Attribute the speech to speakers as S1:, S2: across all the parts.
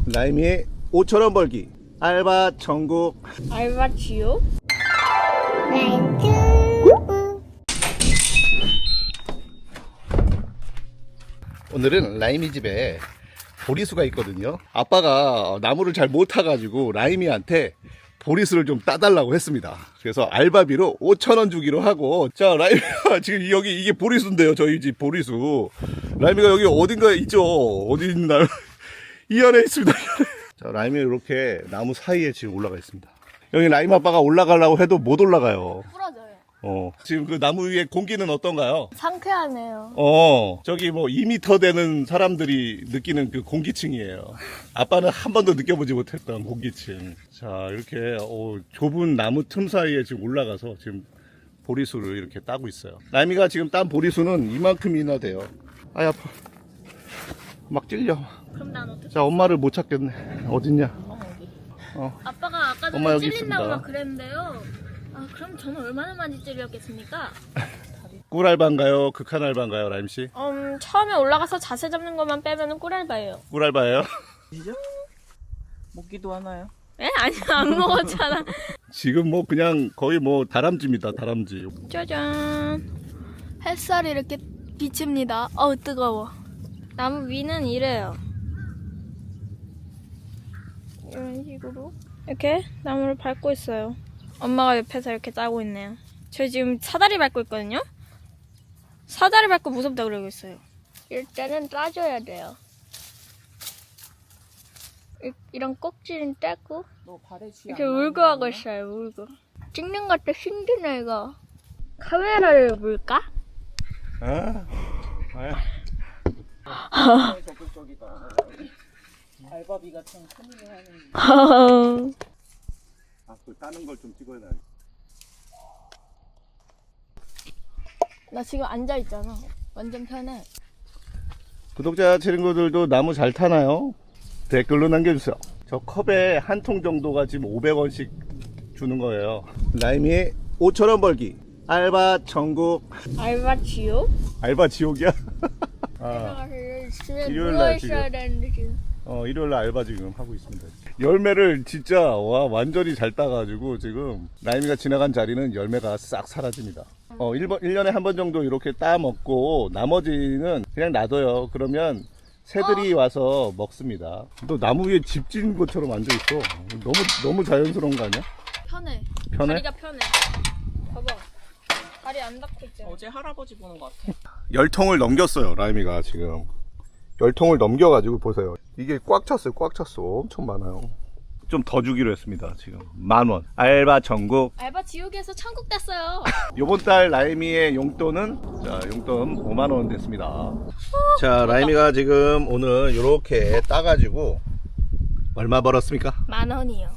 S1: 라임이의 5,000원 벌기 알바 천국.
S2: 알바 지옥?
S1: 오늘은 라임이 집에 보리수가 있거든요. 아빠가 나무를 잘 못 타가지고 라임이한테 보리수를 좀 따달라고 했습니다. 그래서 알바비로 5,000원 주기로 하고, 자 라임이가 지금 여기 이게 보리수인데요. 저희 집 보리수. 라임이가 여기 어딘가에 있죠. 어디 있나? 이 안에 있습니다. 자, 라임이 이렇게 나무 사이에 지금 올라가 있습니다. 여기 라임 아빠가 올라가려고 해도 못 올라가요.
S2: 부러져요.
S1: 지금 그 나무 위에 공기는 어떤가요?
S2: 상쾌하네요.
S1: 저기 뭐 2m 되는 사람들이 느끼는 그 공기층이에요. 아빠는 한 번도 느껴보지 못했던 공기층. 자, 이렇게 좁은 나무 틈 사이에 지금 올라가서 지금 보리수를 이렇게 따고 있어요. 라임이가 지금 딴 보리수는 이만큼이나 돼요. 아이, 아파. 막 찔려.
S2: 그럼 난 어떻게?
S1: 자, 엄마를 못 찾겠네. 어딨냐?
S2: 아빠가 아까
S1: 엄마
S2: 전에
S1: 여기
S2: 찔린다고
S1: 있습니다.
S2: 막 그랬는데요. 아, 그럼 저는 얼마나 많이 찔렸겠습니까?
S1: 꿀 알바인가요? 극한 알바인가요, 라임씨?
S2: 처음에 올라가서 자세 잡는 것만 빼면은 꿀알바예요.
S1: 꿀 알바예요?
S3: 이죠? 먹기도 하나요?
S2: 에? 아니, 안 먹었잖아.
S1: 지금 뭐 그냥 거의 뭐 다람쥐입니다, 다람쥐.
S2: 짜잔. 햇살이 이렇게 비칩니다. 어우, 뜨거워. 나무 위는 이래요. 이런 식으로 이렇게 나무를 밟고 있어요. 엄마가 옆에서 이렇게 짜고 있네요. 저 지금 사다리 밟고 있거든요. 사다리 밟고 무섭다 그러고 있어요. 일단은 짜줘야 돼요. 이런 꼭지는 떼고
S3: 너 발에 쥐
S2: 이렇게 울고 하고 있어요. 울고. 찍는 것도 힘드네 이거. 카메라를 물까?
S3: 적극적이다. 알바비가 참 큰 일을 하는.
S1: 그 따는 걸 좀 찍어야 돼.
S2: 나 지금 앉아 있잖아. 완전 편해.
S1: 구독자 친구들도 나무 잘 타나요? 댓글로 남겨주세요. 저 컵에 한 통 정도가 지금 500원씩 주는 거예요. 라임이의 5,000원 벌기 알바 천국.
S2: 알바 지옥?
S1: 알바 지옥이야?
S2: 집에
S1: 일요일
S2: 누워
S1: 날
S2: 있어야
S1: 지금.
S2: 되는데 지금.
S1: 일요일날 알바 지금 하고 있습니다. 열매를 진짜 완전히 잘 따가지고 지금 라임이가 지나간 자리는 열매가 싹 사라집니다. 1년에 한 번 정도 이렇게 따 먹고 나머지는 그냥 놔둬요. 그러면 새들이 와서 먹습니다. 너 나무 위에 집 지은 것처럼 앉아있어. 너무 자연스러운 거 아니야?
S2: 편해.
S1: 편해?
S2: 다리가 편해. 봐봐. 다리 안 닿고 있잖아.
S3: 어제 할아버지 보는 것 같아.
S1: 10통을 넘겼어요. 라임이가 지금 10통을 넘겨가지고 보세요. 이게 꽉 찼어요. 꽉 찼어. 엄청 많아요. 좀 더 주기로 했습니다. 지금 10,000원 알바 전국.
S2: 알바 지옥에서 천국 됐어요.
S1: 요번 달 라임이의 용돈은, 자, 용돈 5만원 됐습니다. 자, 라임이가 지금 오늘 요렇게 따가지고 얼마 벌었습니까?
S2: 10,000원이요.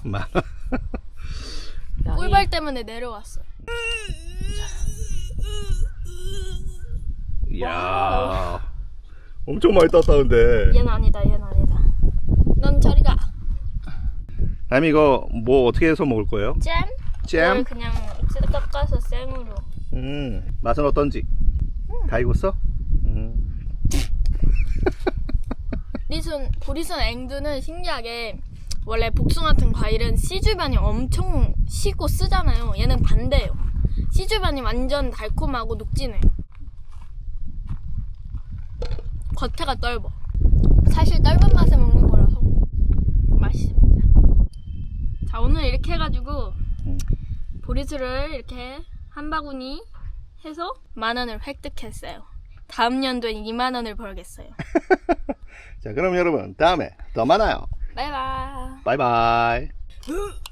S2: 꿀벌 때문에 내려왔어.
S1: 이야, 엄청 많이 땄다는데.
S2: 얘는 아니다. 얘는 아니다. 넌 저리 가.
S1: 라임이 이거 뭐 어떻게 해서 먹을 거예요?
S2: 잼?
S1: 잼?
S2: 이걸 그냥 깎아서 생으로.
S1: 맛은 어떤지? 다 익었어?
S2: 보리순 앵두는 신기하게 원래 복숭아 같은 과일은 씨 주변이 엄청 시고 쓰잖아요. 얘는 반대예요. 씨 주변이 완전 달콤하고 녹진해요. 겉에가 떫어. 사실 떫은 맛에 먹는 거라서 맛있습니다. 자, 오늘 이렇게 해가지고 보리수를 이렇게 한 바구니 해서 10,000원을 획득했어요. 다음 연도엔 20,000원을 벌겠어요.
S1: 자, 그럼 여러분 다음에 더 만나요.
S2: 바이바이.
S1: 바이바이.